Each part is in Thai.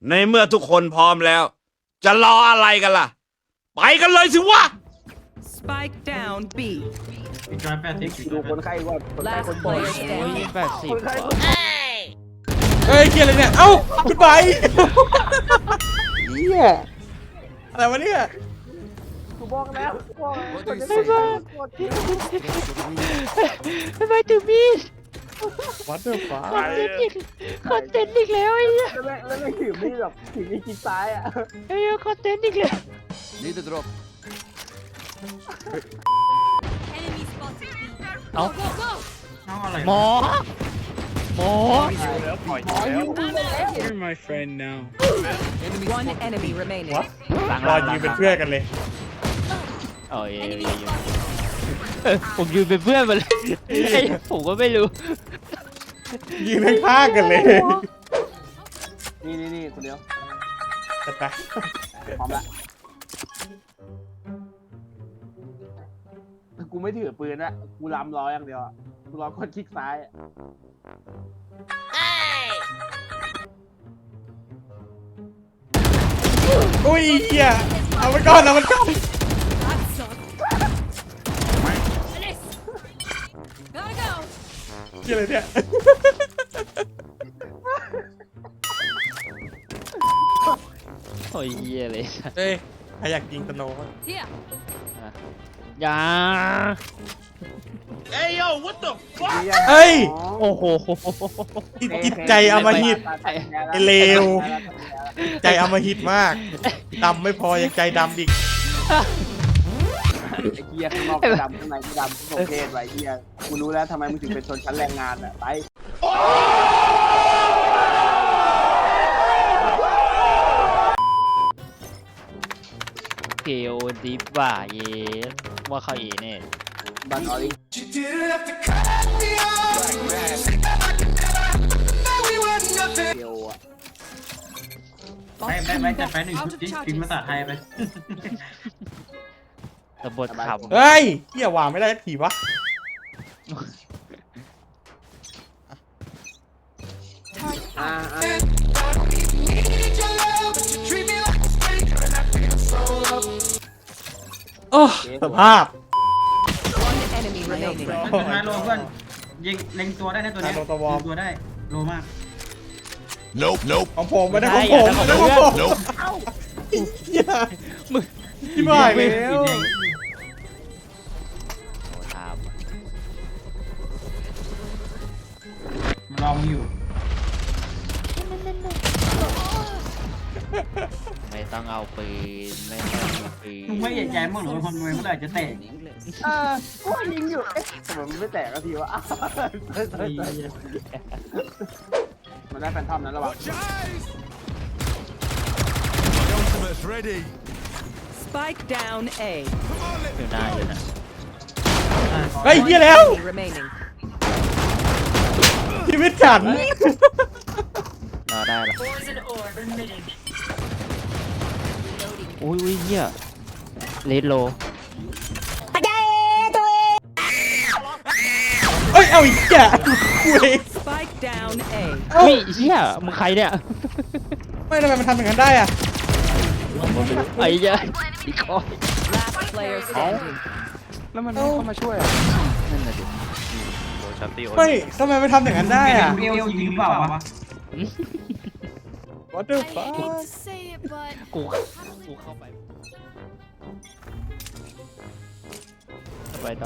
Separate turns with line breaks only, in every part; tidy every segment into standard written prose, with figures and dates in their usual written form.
ในเมื่อทุกคนพร้อมแล้ว จะรออะไรกันล่ะ ไปกันเลยสิวะ
Spike down B.
อีก180
ดูคนไข้ก่อนคนไข้
Last
คนป่วย
player
โอ้ย
standing.
80
คนไข้
ก
ค
ว่าน
ป่วย
เฮ้ยเกียร์อะไรเนี่ย เอ้าคุณไป
เหี้ย
อะไรวะเนี่ย
กูบอกแล้วบอกคนจะ
ไม่
ใส่
บ้า
กดที่
ไม่ถึงมีด
What the fuck
คอนเทนต์อีกแล้วไอ้เหี้ย
แล้วไม่ถือมีดแบบถือมีดจิกซ้ายอ่ะ
ไอ้เหี้ยคอนเทนต์อีกแล้ว
Need a drop.
Enemy spotted B.
เอา
Go, go!
น้องอะไร
หมอหมอ
You're my friend now.
One enemy remaining.
หลัง
รอยืนเป็นเพื่อนกันเลย
โอ้ยผมยืนเป็นเพื่อนมาเลยไอ้ผมก็ไม่รู้
ยืนข้างๆกันเลย
นี่คนเดียว
จะไป
พร้อมละกูไม่ถือปืนอะกูล้ำร้อยอย่างเดียวอะกูรอกดคลิกซ้ายอะ
อุ้ยเหี้ยเอาไปก่อนเอามันก่อน
That sucked. Alice! Gotta go!
เหี้ยอะไรเนี่ย
โอ้ยเหี้ยเลย
เฮ้ยใครอยากยิงสโนว์บ้าง
Here!
อย่า
เฮ้ย
โอ้โห
จิตใจอำมหิต ไอ้เลว ใจอำมหิตมากดำไม่พอยังใจดำอีก
ไอ้เกียข้างนอกก็ดำข้างในก็ดำทุกประเภทไว้เกียกูรู้แล้วทำไมมึงถึงเป็นชนชั้นแรงงานอะไป
เกลดิฟว่าเย้ว่าเขาเอเนี่ย
บันออริเกียวอะ
ไม่จัดไปหนึ่งชุดดิพิมพ์ภาษาไทยไป
ตบทขำ
เฮ้ยเหี้ยวางไม่ได้สักทีวะ โอ้สภาพ
One enemy remaining.
เป็นไฮโลเพื่อนยิงเล็งตัวได้นะตัวเนี้ย
ไฮโลตัววอร์ม
เล็งตัวได้โลมาก
ของผมไม่ได้ของผมไม่ได้ของผมเหี้ย
มึง
ที่บ้านแล้ว
สีแดง
โอ้ถาม
มันลองอยู่
ไม่ต้องเอาปืนไม่ต้องเอาปืน
มึงไม่ใหญ่ใจมั้งหรือว่าคนรวยเมื่อไหร่จะแตก
กูยิงอยู่เอ๊ะทำไมมันไม่แตกสักทีวะอ้าวมันได้แฟนทอมนั้นระวัง
Ultimate's ready.
Spike down A.
อยู่หน้าอยู่นะ
เฮ้ยเหี้ยแล้ว
Enemy remaining.
ชีวิตฉัน
รอได้ละอุ้ยเหี้ยเลดโล
เอ้ย เอาอีกแกกูเอง
Spike down A.
อุ้ยเหี้ยมึงใครเนี่ย
ไม่ทำไมมันทำอย่างนั้นได้อะ
ไอ้เหี้ยอีกคอย
Last player standing.
แล้วมันไม่เข้ามาช่วยอะ
นั่นน่ะดิ
ไม่ทำไมมันทำอย่างนั้นได้อะ
เอวยิงหรือเปล่าวะ
What the
I
fuck
hate to say it, but
กูเข้าไปต่อ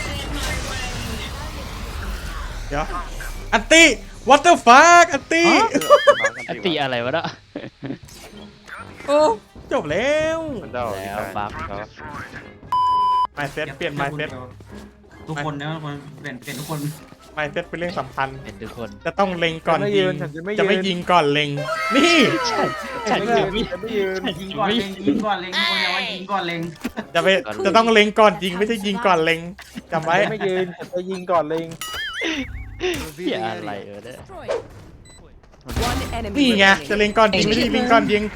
เดี๋ยว อันตี้ What the fuck อันตี้
อันตีอะไรวะเนาะ
โอ้จบแล้ว
แล้วบัฟเขา
ไม่เซตเปลี่ยนไม่เซต
ทุกคนนะทุกคนเปลี่ยนทุกคน
ไม่เซตเป็นเรื่องสำคัญ
เป็นทุกคน
จะต้องเล็งก่อนยิง จะไม่ยิงก่อนเล็ง นี่
ฉันจะไม่
ไม่ยืน
ยิงก่อนเล็งยิงก่อนเล็งทุกคนอย่าว่ายิงก่อนเล็ง
จะต้องเล็งก่อนยิงไม่ใช่ยิงก่อนเล็งจำไว้
ไม่ยืนจะยิงก่อนเลย
เหี้ยอะไรเนี่ย
destroy.
One enemy
นี่ไง จะ
remaining.
เล็งก่อนยิงไม่ใช่ยิงก่อนยิง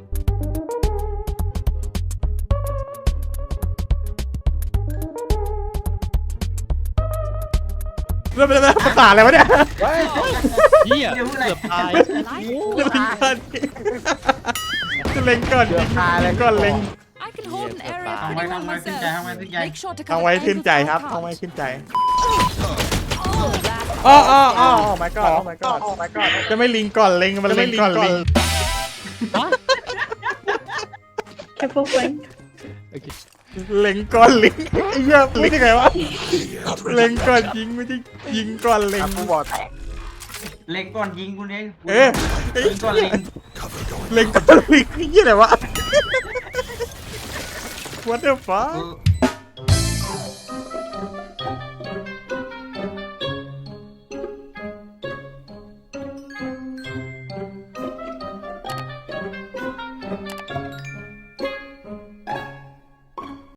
แล้วเป็นภาษาอะไรวะเนี่ย
เหี้ยเกือบตาย
จะเล็งก่อนจะเล็งก่อนยิงเล็งก่อนเล็ง
I can hold an area
ทำ
pretty
ไว้
well
ทำไว้ขึ้นใจ
myself.
ทำไว้ขึ้นใจ
Make sure to
เอา
cover
ไว้
the
ขึ้น
angles
ใจ
of
ครับ
my
เอาไว้
cards.
ขึ้นใจ
Last
อ๋ออ๋ออ๋อ my god oh my god oh my god จะไม่ลิงก่อนเล็งมันเล็งก่อนลิง
Careful, Frank.
เล็งก่อนลิงไอ้เหี้ยลิงยังไงวะเล็งก่อนยิงไม่ใช่ยิงก่อนเล็ง
กูบอกแตก
เล็งก่อนยิงกูเนี่ย
เอ๊ะ
ยิงก่อนเล็ง
เล็งก่อนลิงไอ้เหี้ยอะไรวะ what the fuck